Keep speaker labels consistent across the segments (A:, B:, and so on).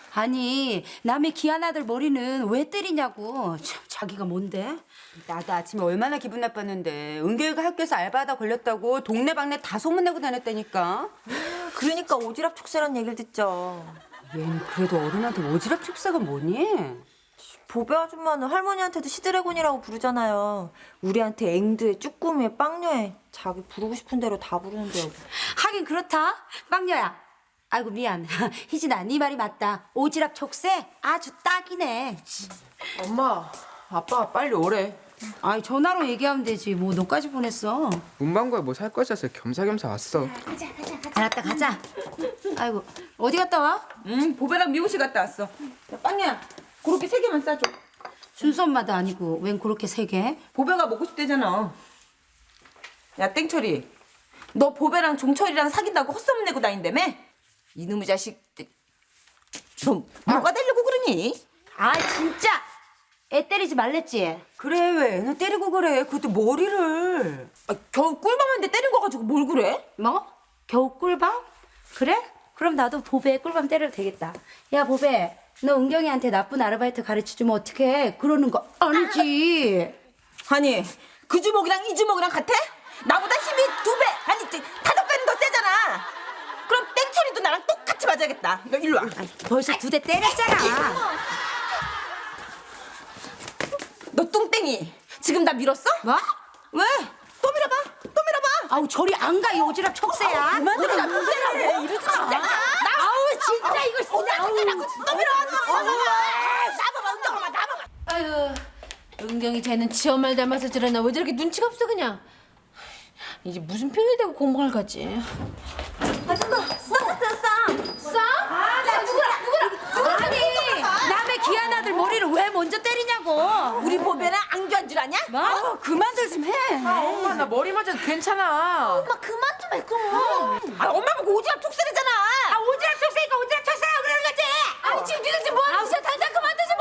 A: 아니 남의 귀한 아들 머리는 왜 때리냐고. 참, 자기가 뭔데?
B: 나도 아침에 얼마나 기분 나빴는데 은결이가 학교에서 알바하다 걸렸다고 동네방네 다 소문내고 다녔다니까.
C: 그러니까 오지랖 촉새란 얘기를 듣죠.
B: 얘는 그래도 어른한테 오지랖 축사가 뭐니?
C: 보배 아줌마는 할머니한테도 시드래곤이라고 부르잖아요. 우리한테 앵두에 쭈꾸미에 빵녀에 자기 부르고 싶은 대로 다 부르는데요.
A: 하긴 그렇다. 빵녀야. 아이고 미안. 희진아 네 말이 맞다. 오지랖 촉새 아주 딱이네.
D: 엄마, 아빠가 빨리 오래.
A: 아이 전화로 얘기하면 되지. 뭐 너까지 보냈어.
D: 문방구에 뭐 살 거 있어서 겸사겸사 왔어.
A: 알았다 가자. 아이고 어디 갔다 와?
E: 보배랑 미호씨 갔다 왔어. 야, 빵이야, 그렇게 3개만 싸줘.
A: 순수 엄마도 아니고 웬 그렇게 세 개?
E: 보배가 먹고 싶대잖아. 야, 땡철이. 너 보배랑 종철이랑 사귄다고 헛소문 내고 다닌다며? 이놈의 자식. 너 뭐가 되려고 그러니?
A: 아 진짜 애 때리지 말랬지.
B: 그래 왜 애는 때리고 그래? 그것도 머리를.
E: 아, 겨우 꿀밤한테 때린 거 가지고 뭘 그래?
A: 뭐? 겨우 꿀밤? 그래? 그럼 나도 보배 꿀밤 때려도 되겠다. 야 보배, 너 은경이한테 나쁜 아르바이트 가르쳐주면 어떡해? 그러는 거 아니지.
E: 아니, 그 주먹이랑 이 주먹이랑 같아? 나보다 힘이 2배, 아니 5배는 더 세잖아. 그럼 땡철이도 나랑 똑같이 맞아야겠다. 너 일로 와.
A: 벌써 2대 때렸잖아.
E: 너 뚱땡이. 지금 나 밀었어?
A: 뭐?
E: 왜? 또 밀어봐. 또 밀어봐.
A: 아우 저리 안 가, 이 오지랖 촉새야.
E: 그만들어. 나 뚱땡이라고. 이러지 진짜.
A: 아우 진짜 이거 진짜.
E: 또 밀어. 나봐봐. 은경아, 나봐봐.
F: 아유, 은경이 쟤는 지 엄마를 닮아서 저러나 왜 저렇게 눈치가 없어 그냥. 이제 무슨 핑을 대고 공부를 가지.
A: 아니 남의 귀한 아들 머리를 왜 먼저 때리냐고.
E: 우리 보배는 안교한 줄 아냐?
A: 뭐? 그만들 좀 해.
D: 엄마, 나 머리 맞아도 괜찮아.
E: 엄마 그만 좀 해, 그럼. 아, 엄마 보고 오지랖 촉새래잖아.
A: 아 오지랖 촉새니까 오지랖 촉새라고 그러는 거지.
F: 아니 지금 니들 지금 뭐하는 짓이야? 당장 그만두지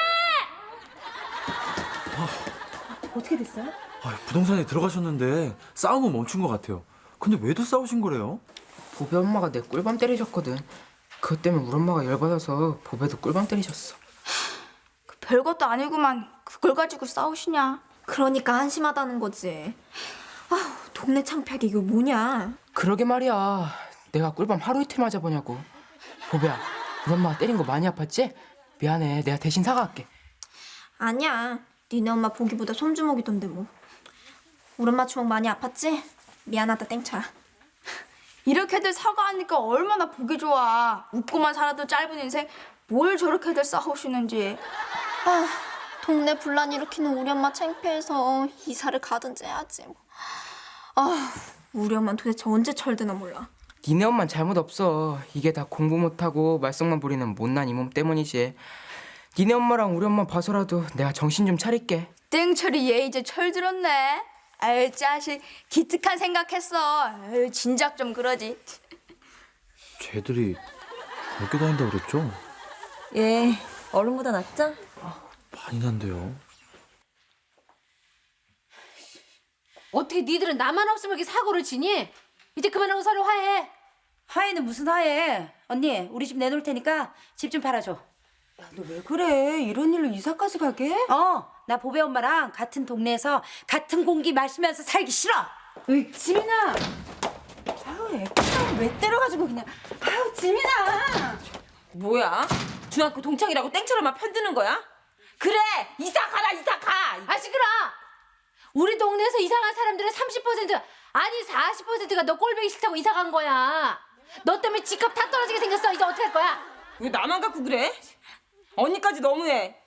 F: 못해.
G: 부동산에 들어가셨는데 싸움은 멈춘 것 같아요. 근데 왜 또 싸우신 거래요?
D: 보배 엄마가 내 꿀밤 때리셨거든. 그것 때문에 우리 엄마가 열받아서 보배도 꿀밤 때리셨어.
H: 별것도 아니구만 그걸 가지고 싸우시냐.
C: 그러니까 한심하다는 거지. 아우, 동네 창피하게 이거 뭐냐.
D: 그러게 말이야. 내가 꿀밤 하루 이틀 맞아보냐고. 보배야, 우리 엄마가 때린 거 많이 아팠지? 미안해. 내가 대신 사과할게.
C: 아니야. 니네 엄마 보기보다 손주먹이던데 뭐. 우리 엄마 주먹 많이 아팠지? 미안하다 땡철아.
H: 이렇게들 사과하니까 얼마나 보기 좋아. 웃고만 살아도 짧은 인생 뭘 저렇게들 싸우시는지.
I: 아, 동네 분란 일으키는 우리 엄마 창피해서 이사를 가든지 해야지. 뭐.
C: 아, 우리 엄마는 도대체 언제 철드나 몰라.
D: 니네 엄만 잘못 없어. 이게 다 공부 못하고 말썽만 부리는 못난 이 몸 때문이지. 니네 엄마랑 우리 엄마 봐서라도 내가 정신 좀 차릴게.
H: 땡철이 얘 이제 철 들었네. 아유 자식 기특한 생각했어. 아유 진작 좀 그러지.
G: 쟤들이 학교 다닌다고 그랬죠?
C: 예, 어른보다 낫죠?
G: 많이 난데요.
F: 어떻게 니들은 나만 없으면 이렇게 사고를 치니? 이제 그만하고 서로 화해.
A: 하애는 무슨 하애? 언니 우리 집 내놓을 테니까 집 좀 팔아줘.
B: 너 왜 그래? 이런 일로 이사까지 가게?
A: 나 보배 엄마랑 같은 동네에서 같은 공기 마시면서 살기 싫어.
B: 으이, 지민아. 아우, 애가 왜 때려가지고 그냥. 아우, 지민아.
E: 뭐야? 중학교 동창이라고 땡처럼만 편드는 거야? 그래, 이사 가라, 이사 가.
F: 아 시끄러. 우리 동네에서 이사간 사람들의 30% 아니 40%가 너 꼴보기 싫다고 이사 간 거야. 너 때문에 집값 다 떨어지게 생겼어. 이제 어떡할 거야?
E: 왜 나만 갖고 그래? 언니까지 너무해.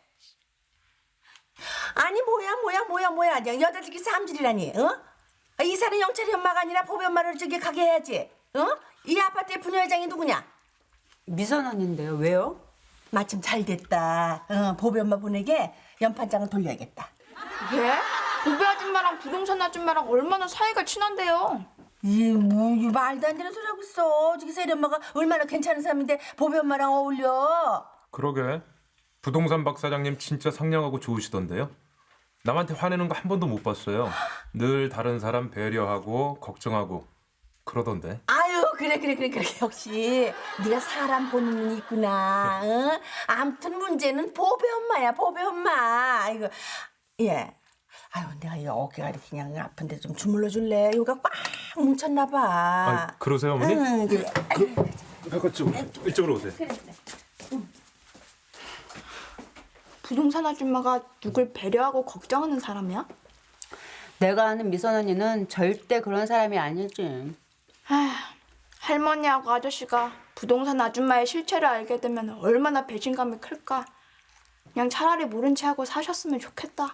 J: 아니 뭐야 여자들끼리 싸움질이라니 어? 이사는 영철이 엄마가 아니라 보배 엄마를 저기 가게 해야지 어? 이 아파트의 부녀회장이 누구냐?
B: 미선 언니인데요. 왜요?
J: 마침 잘 됐다 보배 엄마 보내게 연판장을 돌려야겠다.
H: 예? 보배 아줌마랑 부동산 아줌마랑 얼마나 사이가 친한데요.
J: 이 말도 안 되는 소리 하고 있어. 저기 세리 엄마가 얼마나 괜찮은 사람인데 보배 엄마랑 어울려.
K: 그러게. 부동산 박 사장님 진짜 상냥하고 좋으시던데요. 남한테 화내는 거 한 번도 못 봤어요. 늘 다른 사람 배려하고 걱정하고 그러던데.
J: 아유 그래. 역시 네가 사람 보는 눈이 있구나. 응? 아무튼 문제는 보배 엄마야, 보배 엄마. 이거 예. 아유, 내가 이 어깨가 이렇게 그냥 아픈데 좀 주물러 줄래? 여기가 꽉 뭉쳤나 봐.
K: 아, 그러세요, 어머니?
J: 응, 그래.
K: 이쪽으로 오세요.
H: 부동산 아줌마가 누굴 배려하고 걱정하는 사람이야?
B: 내가 아는 미선 언니는 절대 그런 사람이 아니지.
H: 할머니하고 아저씨가 부동산 아줌마의 실체를 알게 되면 얼마나 배신감이 클까. 그냥 차라리 모른 체 하고 사셨으면 좋겠다.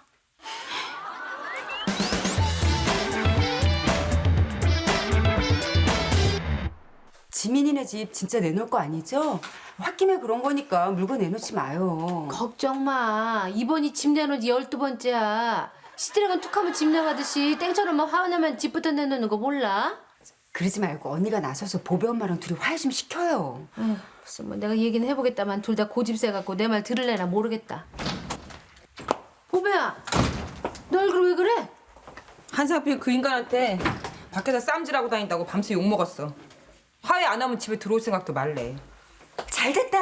B: 지민이네 집 진짜 내놓을 거 아니죠? 홧김에 그런 거니까 물건 내놓지 마요.
F: 걱정 마. 이번이 집 내놓은 지 12번째야. 시드래곤 툭하면 집 나가듯이 땡처럼 막 화나면 집부터 내놓는 거 몰라?
B: 그러지 말고 언니가 나서서 보배 엄마랑 둘이 화해 좀 시켜요.
F: 글쎄 뭐 내가 얘기는 해보겠다만 둘 다 고집세 갖고 내 말 들을래나 모르겠다. 보배야, 너 얼굴 왜 그래?
E: 한상필 그 인간한테 밖에서 쌈질하고 다닌다고 밤새 욕먹었어. 화해 안 하면 집에 들어올 생각도 말래.
B: 잘됐다.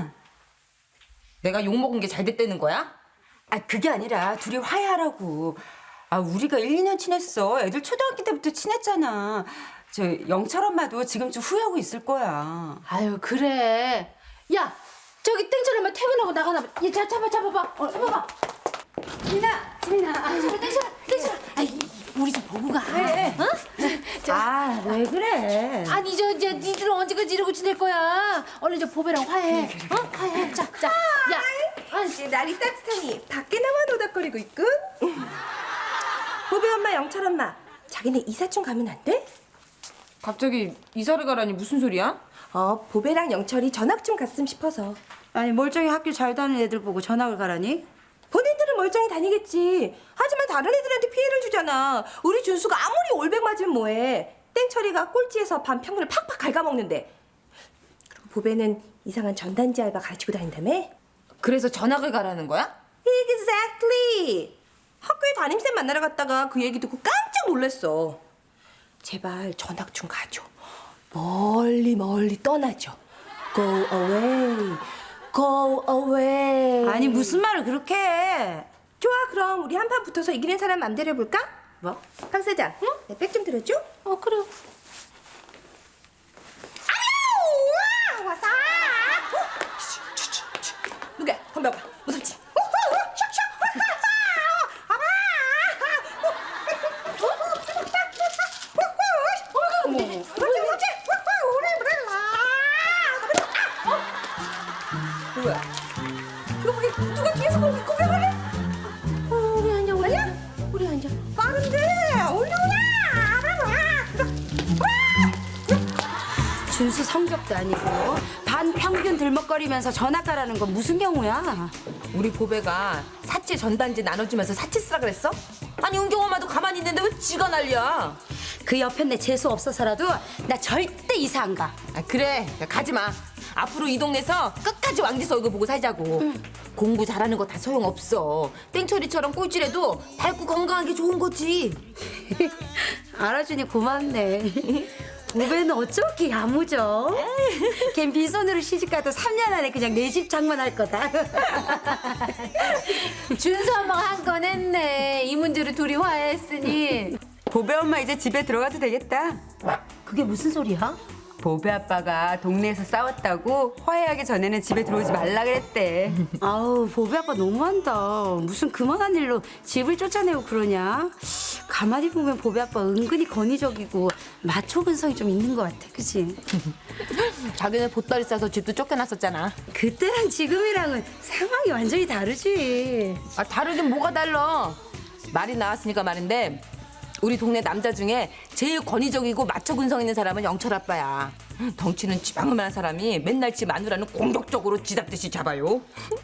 E: 내가 욕먹은 게 잘 됐다는 거야?
B: 아, 그게 아니라 둘이 화해하라고. 아, 우리가 1, 2년 친했어. 애들 초등학교 때부터 친했잖아. 저 영철 엄마도 지금쯤 후회하고 있을 거야.
F: 아유 그래. 야 저기 땡처럼 퇴근하고 나가나 봐. 얘 잡아봐. 잡아봐.
B: 지민아.
F: 땡처럼. 아이 우리 좀 보고 가.
A: 그래.
F: 어?
A: 아, 왜 그래?
F: 아니 이제 니들은 언제까지 이러고 지낼 거야? 얼른 저 보배랑 화해. 어? 화해. 자. 야.
C: 이제 날이 따뜻하니 밖에 나와 노닥거리고 있군. 보배 엄마, 영철 엄마, 자기네 이사촌 가면 안 돼?
E: 갑자기 이사를 가라니 무슨 소리야?
C: 보배랑 영철이 전학 좀 갔으면 싶어서.
A: 아니 멀쩡히 학교 잘 다니는 애들 보고 전학을 가라니?
C: 본인들은 멀쩡히 다니겠지. 하지만 다른 애들한테 피해를 주잖아. 우리 준수가 아무리 올백 맞으면 뭐해. 땡철이가 꼴찌에서 반 평균을 팍팍 갉아먹는데. 그리고 보배는 이상한 전단지 알바 가르치고 다닌다며?
E: 그래서 전학을 가라는 거야?
C: Exactly. 학교에 담임쌤 만나러 갔다가 그 얘기 듣고 깜짝 놀랐어. 제발 전학 좀 가줘. 멀리 떠나줘. Go away. Go away.
A: 아니 무슨 말을 그렇게 해?
C: 좋아, 그럼 우리 한판 붙어서 이기는 사람 맘대로 해볼까?
A: 뭐?
C: 강 사장, 응? 내 백 좀 들어줘.
F: 그래.
C: 아유, 와서. 누가? 건너봐. 무섭지? 뭐야? 누가 뒤에서 고백을 해? 우리 앉아, 아니야? 우리 앉아. 빠른데, 올려오라!
A: 준수 성격도 아니고 반평균 들먹거리면서 전학 가라는 건 무슨 경우야?
E: 우리 보배가 사치 전단지 나눠주면서 사치 쓰라 그랬어? 아니 은경 엄마도 가만히 있는데 왜 지가 난리야?
A: 그 옆에 내 재수 없어서라도 나 절대 이사 안 가.
E: 아 그래, 야, 가지마. 앞으로 이 동네에서 끝까지 왕지서 얼굴 보고 살자고. 공부 잘하는 거 다 소용없어. 땡처리처럼 꼴찌라도 밝고 건강하게 좋은 거지.
A: 알아주니 고맙네. 보배는 어쩌기 야무져? 걘 빈손으로 시집가도 3년 안에 그냥 내 집 장만할 거다.
F: 준수 엄마가 한 건 했네. 이 문제로 둘이 화해했으니.
B: 보배 엄마 이제 집에 들어가도 되겠다.
A: 그게 무슨 소리야?
B: 보배 아빠가 동네에서 싸웠다고 화해하기 전에는 집에 들어오지 말라 그랬대.
A: 아우 보배 아빠 너무한다. 무슨 그만한 일로 집을 쫓아내고 그러냐? 가만히 보면 보배 아빠 은근히 건의적이고 마초 근성이 좀 있는 것 같아, 그치?
E: 자기는 보따리 싸서 집도 쫓겨났었잖아.
A: 그때랑 지금이랑은 상황이 완전히 다르지.
E: 아 다르긴 뭐가 달라. 말이 나왔으니까 말인데 우리 동네 남자 중에 제일 권위적이고 마초 근성 있는 사람은 영철 아빠야. 덩치는 지방만한 사람이 맨날 지 마누라는 공격적으로 지잡듯이 잡아요.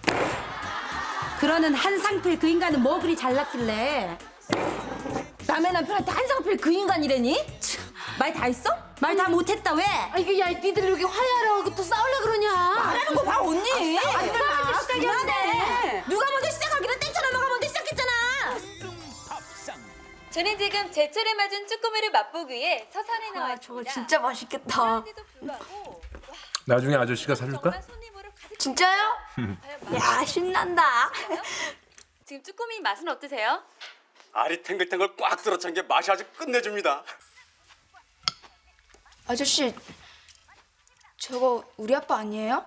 A: 그러는 한상필 그 인간은 뭐 그리 잘났길래?
E: 남의 남편한테 한상필 그 인간이래니? 말 다 했어?
A: 말 다 못했다 왜?
F: 아 이거 야 니들 여기 화해하라고 또 싸우려 그러냐?
E: 말하는 거 봐 언니.
F: 싸우기 시작이었네.
E: 누가 먼저 시작하기로 땡처럼 엄마가 먼저 시작했잖아.
C: 저
L: 저는 지금 제철에 맞은 쭈꾸미를 맛보기 위해 서산에
H: 와,
L: 나왔습니다.
H: 저거 진짜 맛있겠다.
K: 나중에 아저씨가 사줄까?
H: 진짜요? 야, 신난다.
L: 지금 쭈꾸미 맛은 어떠세요?
M: 알이 탱글탱글 꽉 들어찬 게 맛이 아주 끝내줍니다.
H: 아저씨, 저거 우리 아빠 아니에요?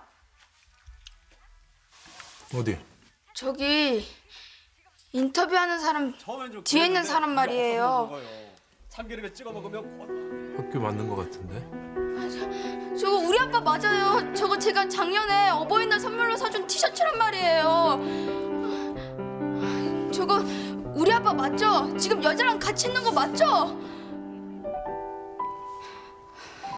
K: 어디?
H: 저기 인터뷰하는 사람 뒤에 있는 사람 말이에요.
M: 참기름에 찍어 먹으면
K: 학교 맞는 것 같은데?
H: 저거 우리 아빠 맞아요. 저거 제가 작년에 어버이날 선물로 사준 티셔츠란 말이에요. 저거 우리 아빠 맞죠? 지금 여자랑 같이 있는 거 맞죠?